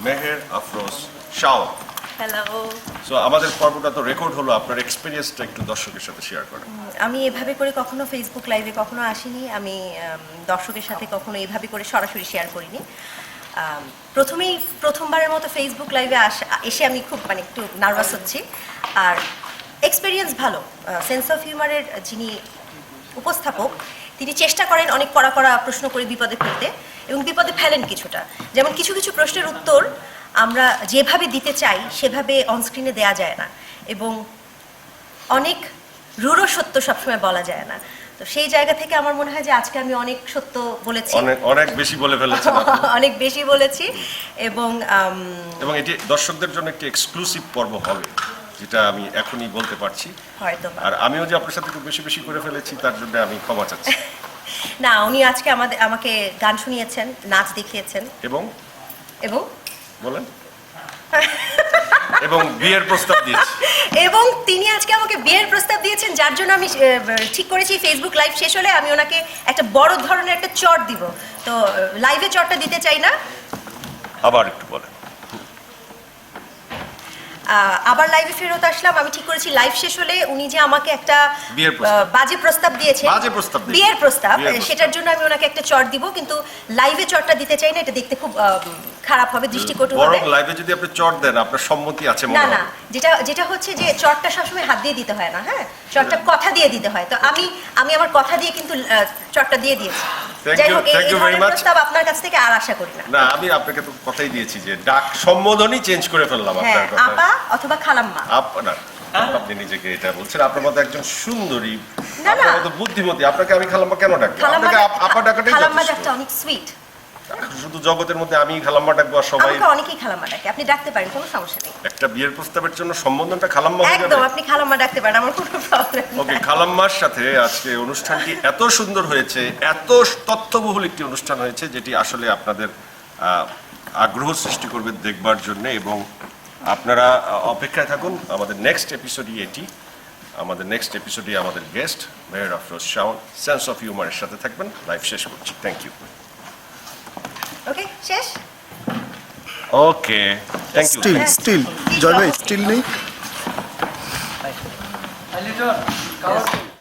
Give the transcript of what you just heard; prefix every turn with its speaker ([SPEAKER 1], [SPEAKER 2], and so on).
[SPEAKER 1] Meher Afroz Shaon.
[SPEAKER 2] Hello.
[SPEAKER 1] So আমাদের পর্বটা তো রেকর্ড হলো, আপনার এক্সপেরিয়েন্সটা একটু দর্শকের সাথে শেয়ার করেন।
[SPEAKER 2] আমি এভাবে করে কখনো ফেসবুক লাইভে কখনো আসিনি, আমি দর্শকের সাথে কখনো এইভাবে করে সরাসরি শেয়ার করিনি। প্রথমবারের মতো ফেসবুক লাইভে এসে আমি খুব একটু নার্ভাস হচ্ছি। আর এক্সপেরিয়েন্স ভালো। সেন্স অফ হিউমারের যিনি উপস্থাপক তিনি চেষ্টা করেন অনেক কড়া কড়া প্রশ্ন করে বিপদে ফেলতে, এবং বিপদে ফেলেন কিছুটা। যেমন কিছু কিছু প্রশ্নের উত্তর আমরা যেভাবে দিতে চাই সেভাবে অনস্ক্রিনে দেয়া যায় না, এবং অনেক রূঢ় সত্য সবসময় বলা যায় না। তো সেই জায়গা থেকে আমার মনে হয় যে আজকে আমি অনেক সত্য বলেছি,
[SPEAKER 1] অনেক বেশি বলে ফেলেছেন।
[SPEAKER 2] অনেক বেশি বলেছি। এবং
[SPEAKER 1] এটি দর্শকদের জন্য একটি এক্সক্লুসিভ পর্ব হবে, যেটা আমি এখনই বলতে পারছি।
[SPEAKER 2] হয়তো
[SPEAKER 1] আর আমিও যে আপনার সাথে খুব বেশি বেশি করে ফেলেছি তার জন্য আমি ক্ষমা চাচ্ছি।
[SPEAKER 2] না, উনি আজকে আমাকে গান শুনিয়েছেন, নাচ দেখিয়েছেন,
[SPEAKER 1] এবং
[SPEAKER 2] এবং
[SPEAKER 1] বলেন এবং বিয়ের প্রস্তাব দিয়েছি।
[SPEAKER 2] এবং তিনি আজকে আমাকে বিয়ের প্রস্তাব দিয়েছেন, যার জন্য আমি ঠিক করেছি ফেসবুক লাইভ শেষ হলে আমি ওনাকে একটা বড় ধরনের একটা চট দিব। তো লাইভে চটটা দিতে চাই না।
[SPEAKER 1] আবার একটু বলেন।
[SPEAKER 2] আবার লাইভে ফেরত আসলাম। আমি ঠিক করেছি লাইভ শেষ হলে উনি যে আমাকে একটা বাজে প্রস্তাব দিয়েছেন, বিয়ের প্রস্তাব, সেটার জন্য আমি ওনাকে একটা চট দিব, কিন্তু লাইভে চটটা দিতে চাই না, এটা দেখতে খুব খারাপ হবে, দৃষ্টিকটু হবে।
[SPEAKER 1] বরং লাইভে যদি আপনি চট দেন আপনার সম্মতি আছে মনে
[SPEAKER 2] না
[SPEAKER 1] হয়।
[SPEAKER 2] না, যেটা হচ্ছে যে চটটা সবসময় হাত দিয়ে দিতে হয় না, হ্যাঁ, চটটা কথা দিয়ে দিতে হয়। তো আমি আমার কথা দিয়ে কিন্তু চটটা দিয়ে দিয়েছি। যাই হোক, এই ধরনের প্রস্তাব আপনার কাছ থেকে আর আশা করি না।
[SPEAKER 1] না, আমি আপনাকে তো কথাই দিয়েছি যে ডাক সম্বোধনই চেঞ্জ করে ফেললাম আপনার কথা।
[SPEAKER 2] আপা অথবা খালাম্মা।
[SPEAKER 1] আপনার আপনি নিজেকে এটা বলছেন, আপনার মতো একজন সুন্দরী,
[SPEAKER 2] না না,
[SPEAKER 1] আপনার মতো বুদ্ধিমতী, আপনাকে আমি খালাম্মা কেন ডাকবো? আপনাকে আপা ডাকাটাই
[SPEAKER 2] খালাম্মা
[SPEAKER 1] যথেষ্ট।
[SPEAKER 2] ডাকটা অনেক সুইট।
[SPEAKER 1] শুধু জগতের মধ্যে আমি খালাম্মা ডাকবো আর সবাই?
[SPEAKER 2] আমাকে অনেকেই খালাম্মা ডাকে, আপনি ডাকতে পারেন, কোনো সমস্যা নেই।
[SPEAKER 1] একটা বিয়ের প্রস্তাবের জন্য সম্বোধনটা খালাম্মা হয়ে যাবে?
[SPEAKER 2] একদম, আপনি খালাম্মা ডাকতে পারেন, আমার কোনো প্রবলেম নেই।
[SPEAKER 1] ওকে, খালাম্মার সাথে আজকে অনুষ্ঠানটি এত সুন্দর হয়েছে, এত তথ্যবহুল একটি অনুষ্ঠান হয়েছে, যেটি আসলে আপনাদের আগ্রহ সৃষ্টি করবে দেখবার জন্য। এবং আপনারা অপেক্ষায় থাকুন, আমাদের নেক্সট এপিসোডই এটি। আমাদের নেক্সট এপিসোডে আমাদের guest Meher Afroz Shaon sense of হিউমারের সাথে থাকবেন। লাইভ শেষ করছি, থ্যাংক ইউ।
[SPEAKER 2] ওকে, শেষ।
[SPEAKER 1] Okay, thank you.
[SPEAKER 3] Still Joy ভাই, স্টিল নেই।